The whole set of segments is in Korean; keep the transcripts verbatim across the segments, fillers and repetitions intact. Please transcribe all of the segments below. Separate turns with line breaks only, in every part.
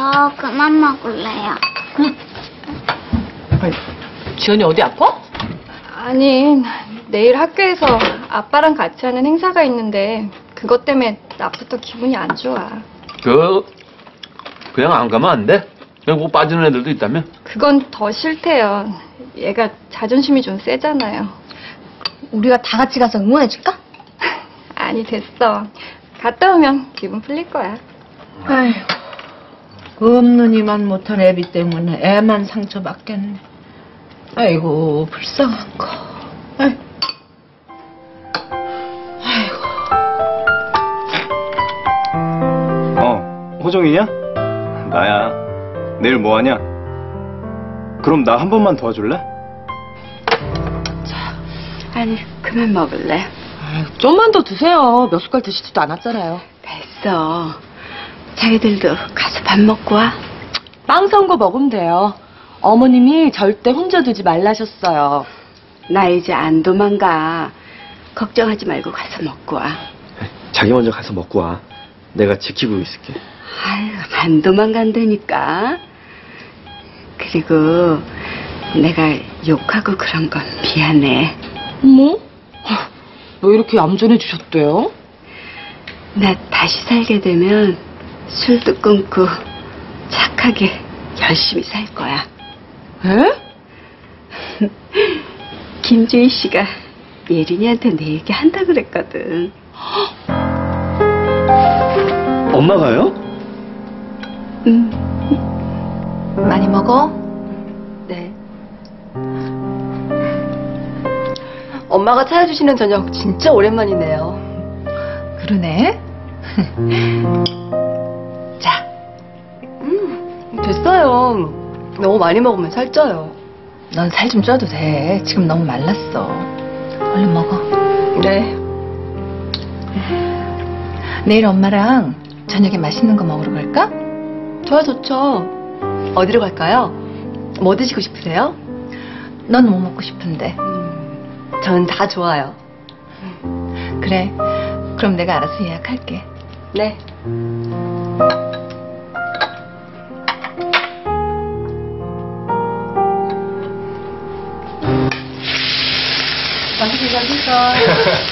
저 그만 먹을래요.
응. 아니, 지연이 어디 아파?
아니, 내일 학교에서 아빠랑 같이 하는 행사가 있는데 그것 때문에 낮부터 기분이 안 좋아.
그 그냥 안 가면 안 돼? 그냥 뭐 빠지는 애들도 있다며?
그건 더 싫대요. 얘가 자존심이 좀 세잖아요.
우리가 다 같이 가서 응원해줄까?
아니, 됐어. 갔다 오면 기분 풀릴 거야.
아휴, 없느니만 못한 애비 때문에 애만 상처받겠네. 아이고, 불쌍한 거. 아이고. 아이고.
어, 호정이냐? 나야. 내일 뭐 하냐? 그럼 나 한 번만 도와줄래?
아니, 그만 먹을래?
아유, 좀만 더 드세요. 몇 숟갈 드시지도 않았잖아요.
됐어. 자기들도 가서 밥 먹고 와.
빵 선 거 먹으면 돼요. 어머님이 절대 혼자 두지 말라셨어요.
나 이제 안 도망가. 걱정하지 말고 가서 먹고 와.
자기 먼저 가서 먹고 와. 내가 지키고 있을게.
아유, 안 도망간다니까. 그리고 내가 욕하고 그런 건 미안해.
어머? 왜 이렇게 얌전해 주셨대요?
나 다시 살게 되면 술도 끊고 착하게 열심히 살 거야.
에?
김주희 씨가 예린이한테 내 얘기 한다 그랬거든.
엄마가요?
응.
많이 먹어?
네.
엄마가 차려주시는 저녁 진짜 오랜만이네요.
그러네.
자. 음, 됐어요. 너무 많이 먹으면 살쪄요.
넌 살 좀 쪄도 돼. 지금 너무 말랐어. 얼른 먹어.
네.
내일 엄마랑 저녁에 맛있는 거 먹으러 갈까?
좋아, 좋죠. 어디로 갈까요? 뭐 드시고 싶으세요?
넌 뭐 먹고 싶은데?
전 다 좋아요.
그래. 그럼 내가 알아서 예약할게.
네. 맛있게 맛있어.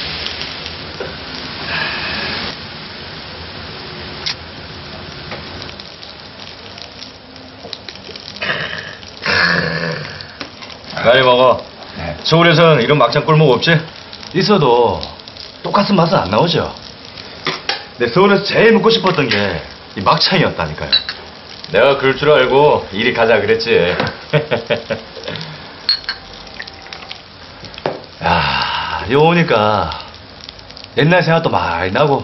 많이 먹어. 서울에서는 이런 막장 꿀목 없지? 있어도 똑같은 맛은 안 나오죠. 근데 서울에서 제일 먹고 싶었던 게 이 막창이었다니까요. 내가 그럴 줄 알고 이리 가자 그랬지. 야, 여기 오니까 옛날 생각도 많이 나고,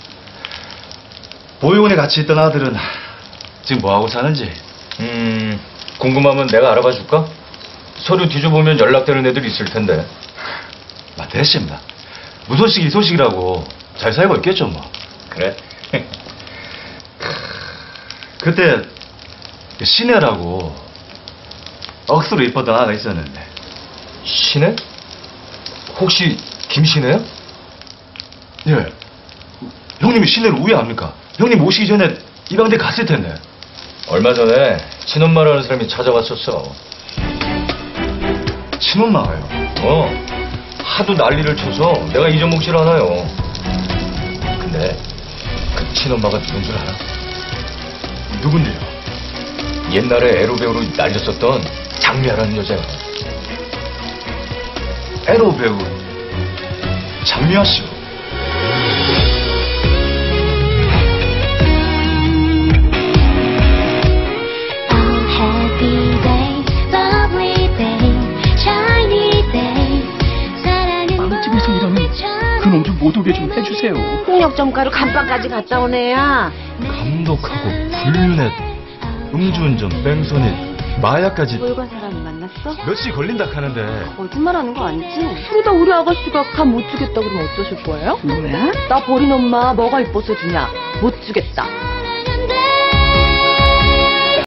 보육원에 같이 있던 아들은 지금 뭐하고 사는지 음 궁금하면 내가 알아봐 줄까? 서류 뒤져보면 연락되는 애들이 있을 텐데. 마, 됐습니다. 무소식 이소식이라고 잘 살고 있겠죠 뭐. 그래? 그때 신혜라고 억수로 이뻤던 아가 있었는데. 신혜? 혹시 김신혜요? 예. 형님이 신혜를 우회합니까? 형님 오시기 전에 입양대 갔을 텐데. 얼마 전에 친엄마라는 사람이 찾아왔었어. 친엄마가요? 어. 하도 난리를 쳐서 내가 잊어먹질 않아요. 근데 그 친엄마가 누군 줄 알아? 누군데요? 옛날에 에로 배우로 날렸었던 장미아라는 여자야. 에로 배우 장미아 씨.
빵집에서 일하는 그놈 좀 못 오게 좀 해주세요.
폭력점가로 감방까지 갔다 온 애야.
감독하고 불륜에 음주운전, 뺑소니, 마약까지.
보육원 사람 만났어?
며칠 걸린다 하는데.
거짓말하는 거 아니지?
그러다 우리 아가씨가 감 못 주겠다 그러면 어쩌실 거예요?
뭐야?
나 버린 엄마 뭐가 이뻐서 주냐? 못 주겠다.